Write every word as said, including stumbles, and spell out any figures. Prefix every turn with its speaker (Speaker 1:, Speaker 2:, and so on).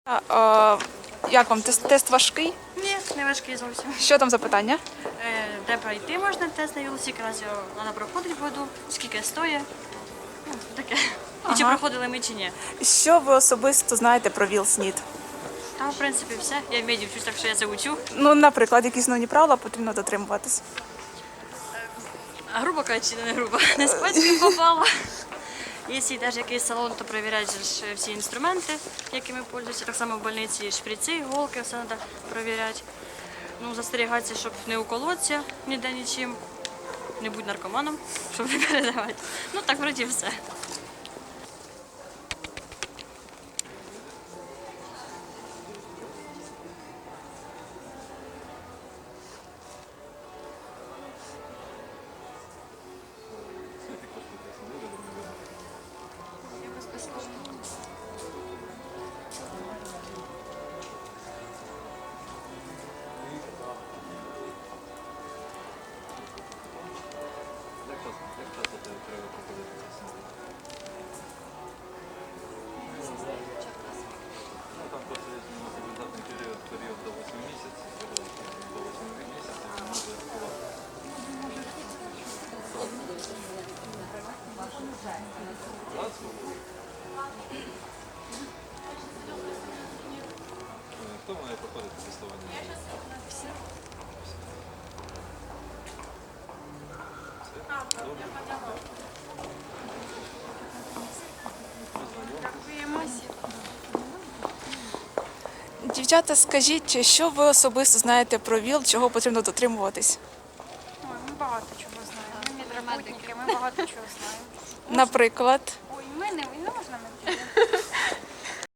Speaker 1: А, як вам тест, тест важкий?
Speaker 2: Ні, не важкий зовсім.
Speaker 1: Що там за питання?
Speaker 2: Е, Де пройти можна тест на велосипед, якраз його треба проходити воду, скільки стоїть. Ну, таке. І чи
Speaker 1: Ага.
Speaker 2: проходили ми, чи ні.
Speaker 1: Що ви особисто знаєте про ВІЛ-СНІД?
Speaker 2: Там, в принципі, все. Я в меді вчусь, так що я це учу.
Speaker 1: Ну, наприклад, які основні правила потрібно дотримуватись.
Speaker 2: А грубо кажучи, не грубо. Не з пальцем попало. Якщо йдеш в якийсь салон, то перевіряють же ж всі інструменти, якими пользуються. Так само в больниці шприци, іголки, все треба перевіряти. Ну, застерігатися, щоб не уколотися ніде нічим. Не будь наркоманом, щоб не передавати. Ну, так, вроді, все.
Speaker 3: Там просто є рекомендаційний період, період до восьми місяців, до восьми місяців він може Хто має проходити тестування? Всі.
Speaker 1: Дівчата, скажіть, що ви особисто знаєте про ВІЛ, чого потрібно дотримуватись?
Speaker 4: Ой, ми багато чого знаємо. Ми медработники, ми багато чого знаємо.
Speaker 1: Наприклад,
Speaker 4: Ой, ми не, не можна ми